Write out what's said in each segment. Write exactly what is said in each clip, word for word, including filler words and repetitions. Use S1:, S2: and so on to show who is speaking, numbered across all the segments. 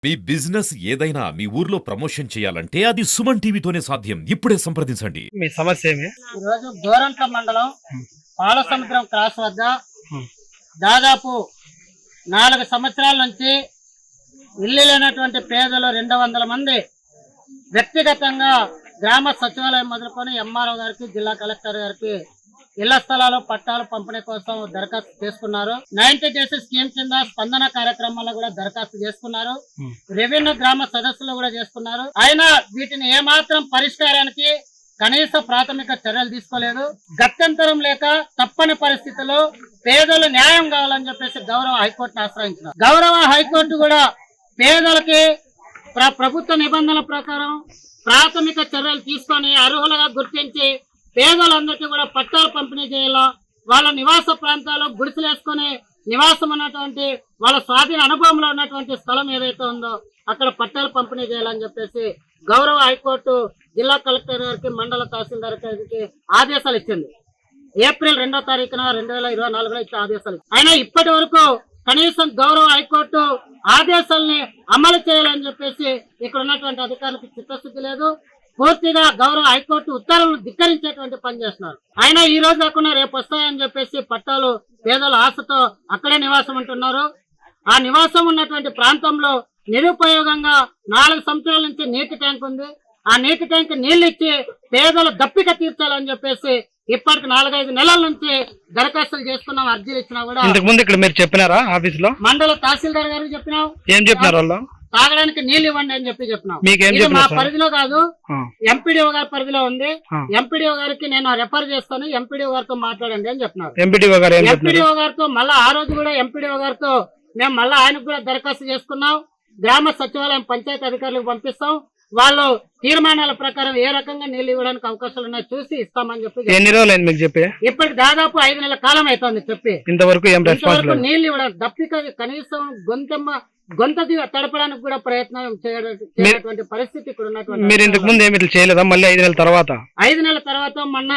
S1: మీ business ఏదైనా మీ ఊర్లో promotion చేయాలంటే అది సుమన్ టీవీతోనే సాధ్యం. ఇప్పుడే సంప్రదించండి.
S2: మీ సమస్య ఏమి?
S3: ఈరోజు గోరంట్ల మండలం పాలసముద్రం క్రాస్ వద్ద దాదాపు నాలుగు సంవత్సరాల నుంచి ఇల్లు లేనటువంటి పేదలు రెండు వందల మంది వ్యక్తిగతంగా గ్రామ సచివాలయం మొదలుకొని ఎంఆర్ఓ గారికి, జిల్లా కలెక్టర్ గారికి ఇళ్ల స్థలాలు పట్టాలు పంపిణీ కోసం దరఖాస్తు చేసుకున్నారు. నైన్టీ డేస్ స్కీమ్ కింద స్పందన కార్యక్రమాల్లో కూడా దరఖాస్తు చేసుకున్నారు. రెవెన్యూ గ్రామ సదస్సులు కూడా చేసుకున్నారు. అయినా వీటిని ఏమాత్రం పరిష్కారానికి కనీస ప్రాథమిక చర్యలు తీసుకోలేదు. గత్యంతరం లేక తప్పని పరిస్థితుల్లో పేదలు న్యాయం కావాలని చెప్పేసి గౌరవ హైకోర్టును ఆశ్రయించినారు. గౌరవ హైకోర్టు కూడా పేదలకి ప్రభుత్వ నిబంధనల ప్రకారం ప్రాథమిక చర్యలు తీసుకొని అర్హులుగా గుర్తించి పేదలందరికీ కూడా పట్టాలు పంపిణీ చేయాలా, వాళ్ళ నివాస ప్రాంతాల్లో గుడిసెలు వేసుకుని నివాసం ఉన్నటువంటి వాళ్ళ స్వాధీన అనుభవంలో ఉన్నటువంటి స్థలం ఏదైతే ఉందో అక్కడ పట్టాలు పంపిణీ చేయాలని చెప్పేసి గౌరవ హైకోర్టు జిల్లా కలెక్టర్ గారికి, మండల తహసీల్దార్ గారికి ఆదేశాలు ఇచ్చింది. ఏప్రిల్ రెండో తారీఖున రెండు వేల ఇరవై నాలుగులో ఇచ్చే ఆదేశాలు. అయినా ఇప్పటి వరకు కనీసం గౌరవ హైకోర్టు ఆదేశాలని అమలు చేయాలని చెప్పేసి ఇక్కడ ఉన్నటువంటి అధికారులకు చిత్తశుద్ధి లేదు. పూర్తిగా గౌరవ హైకోర్టు ఉత్తర్వులను ధిక్కరించేటువంటి పని చేస్తున్నారు. అయినా ఈ రోజు కాకుండా రేపు వస్తాయని చెప్పేసి పట్టాలు పేదల ఆశతో అక్కడే నివాసం ఉంటున్నారు. ఆ నివాసం ఉన్నటువంటి ప్రాంతంలో నిరుపయోగంగా నాలుగు సంవత్సరాల నుంచి నీటి ట్యాంక్ ఉంది. ఆ నీటి ట్యాంక్ నీళ్లు ఇచ్చి పేదల దప్పిక తీర్చాలని చెప్పేసి ఇప్పటికి నాలుగైదు నెలల నుంచి దరఖాస్తులు చేసుకున్నాం, అర్జీలు ఇచ్చినా కూడా.
S2: ఇంతకు ముందు ఇక్కడ మీరు చెప్పినారా ఆఫీస్ లో?
S3: మండల తహసీల్దార్ గారికి చెప్పినాం.
S2: ఏం చెప్పినారు వాళ్ళు?
S3: తాగడానికి నీళ్లు ఇవ్వండి అని చెప్పి చెప్పినాం. మా పరిధిలో కాదు, ఎంపీడీఓ గారి పరిధిలో ఉంది. ఎంపీడీఓ గారికి నేను రెఫర్ చేస్తాను, ఎంపీడీఓ గారితో మాట్లాడండి అని చెప్పినారు.
S2: ఎంపీడీఓ గారు
S3: ఎంపీడీఓ గారితో మళ్ళా ఆ రోజు కూడా ఎంపీడీఓ గారితో మేము మళ్ళా ఆయనకు కూడా దరఖాస్తు చేసుకున్నాం. గ్రామ సచివాలయం పంచాయతీ అధికారులకు పంపిస్తాం. వాళ్ళు తీర్మానాల ప్రకారం ఏ రకంగా నీళ్లు ఇవ్వడానికి అవకాశాలు ఉన్నాయో చూసి ఇస్తామని చెప్పి.
S2: ఎన్ని రోజులు అయింది మీకు చెప్పి?
S3: ఇప్పటికి దాదాపు ఐదు నెలల కాలం అవుతుంది చెప్పి.
S2: ఇంతవరకు ఏం రెస్పాన్స్?
S3: నీళ్లు ఇవ్వడానికి దప్పిక కనీసం గొంతమ్మ గొంత తడపడానికి కూడా ప్రయత్నం చేయటువంటి పరిస్థితి ఇక్కడ ఉన్నటువంటి.
S2: మీరు ఇంతకు ముందు ఏమి చేయలేదా? మళ్ళీ ఐదు నెలల తర్వాత
S3: ఐదు నెలల తర్వాత మొన్న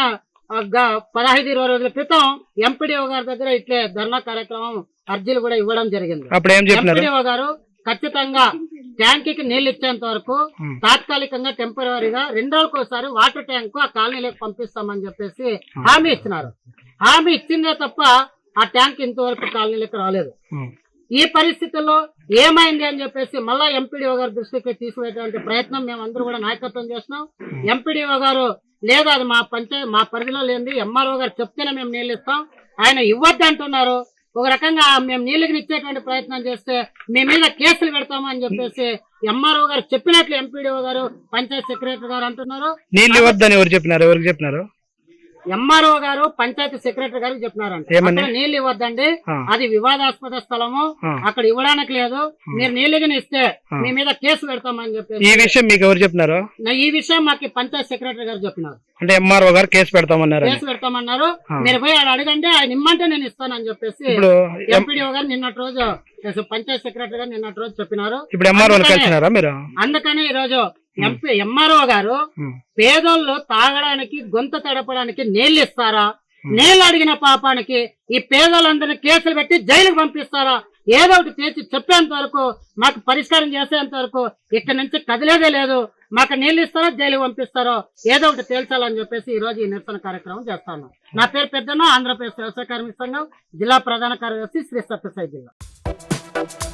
S3: పదహైదు ఇరవై రోజుల క్రితం ఎంపీడీఓ గారి దగ్గర ఇట్లే ధర్నా కార్యక్రమం అర్జీలు కూడా ఇవ్వడం జరిగింది.
S2: అప్పుడు ఏం చెప్పినారు?
S3: ఎంపీడీఓ గారు ఖచ్చితంగా ట్యాంక్ కి నీళ్లు ఇచ్చేంత వరకు తాత్కాలికంగా టెంపరీగా రెండు రోజులకు ఒకసారి వాటర్ ట్యాంక్ ఆ కాలనీలోకి పంపిస్తామని చెప్పేసి హామీ ఇచ్చినారు. హామీ ఇచ్చిందే తప్ప ఆ ట్యాంక్ ఇంతవరకు కాలనీలోకి రాలేదు. ఈ పరిస్థితుల్లో ఏమైంది అని చెప్పేసి మళ్ళా ఎంపీడీఓ గారి దృష్టికి తీసుకునేటువంటి ప్రయత్నం మేమందరూ కూడా నాయకత్వం చేస్తున్నాం. ఎంపీడీఓ గారు లేదా అది మా పంచాయతీ మా పరిధిలో లేనిది, ఎంఆర్ఓ గారు చెప్తేనే మేము నీళ్ళు ఇస్తాం, ఆయన ఇవ్వద్దు అంటున్నారు. ఒక రకంగా మేము నీళ్ళకి ఇచ్చేటువంటి ప్రయత్నం చేస్తే మీ మీద కేసులు పెడతాము అని చెప్పేసి ఎంఆర్ఓ గారు చెప్పినట్లు ఎంపీడీఓ గారు, పంచాయత్ సెక్రటరీ గారు అంటున్నారు.
S2: నీళ్ళు ఇవ్వద్దని ఎవరు చెప్పినారు? ఎవరికి చెప్పినారు?
S3: ఎంఆర్ఓ గారు పంచాయతీ సెక్రటరీ గారికి చెప్పినారంటే నీళ్లు ఇవ్వద్దండి, అది వివాదాస్పద స్థలము, అక్కడ ఇవ్వడానికి లేదు, మీరు నీళ్ళని ఇస్తే మీ మీద కేసు పెడతామని చెప్పి.
S2: ఈ విషయం మీకు ఎవరు చెప్పినారు?
S3: ఈ విషయం మాకు పంచాయతీ సెక్రటరీ గారు చెప్పినారు.
S2: అంటే ఎంఆర్ఓ గారు కేసు పెడతామన్నారు.
S3: కేసు పెడతామన్నారు. మీరు పోయి ఆడ అడగండి, ఆయన ఇమ్మంటే నేను ఇస్తానని చెప్పేసి ఎంపీడీఓ గారు నిన్నటి రోజు, పంచాయత్ సెక్రటరీ గారు నిన్నటి రోజు చెప్పినారు.
S2: ఇప్పుడు ఎంఆర్ఓ కలిసినారా మీరు?
S3: అందుకని ఈ రోజు ఎంపీ ఎంఆర్ఓ గారు పేదోళ్ళు తాగడానికి గొంత తడపడానికి నీళ్లు ఇస్తారా, నీళ్లు అడిగిన పాపానికి ఈ పేదోళ్ళందరినీ కేసులు పెట్టి జైలుకు పంపిస్తారా, ఏదో ఒకటి చేసి చెప్పేంత వరకు, మాకు పరిష్కారం చేసేంత వరకు ఇక్కడ నుంచి కదిలేదే లేదు. మాకు నీళ్లు ఇస్తారో జైలు పంపిస్తారో ఏదో ఒకటి తేల్చాలని చెప్పేసి ఈ రోజు ఈ నిరసన కార్యక్రమం చేస్తాను. నా పేరు పెద్దన్న, ఆంధ్రప్రదేశ్ వ్యవసాయ కార్మిక సంఘం జిల్లా ప్రధాన కార్యదర్శి, శ్రీ సత్యసాయి జిల్లా.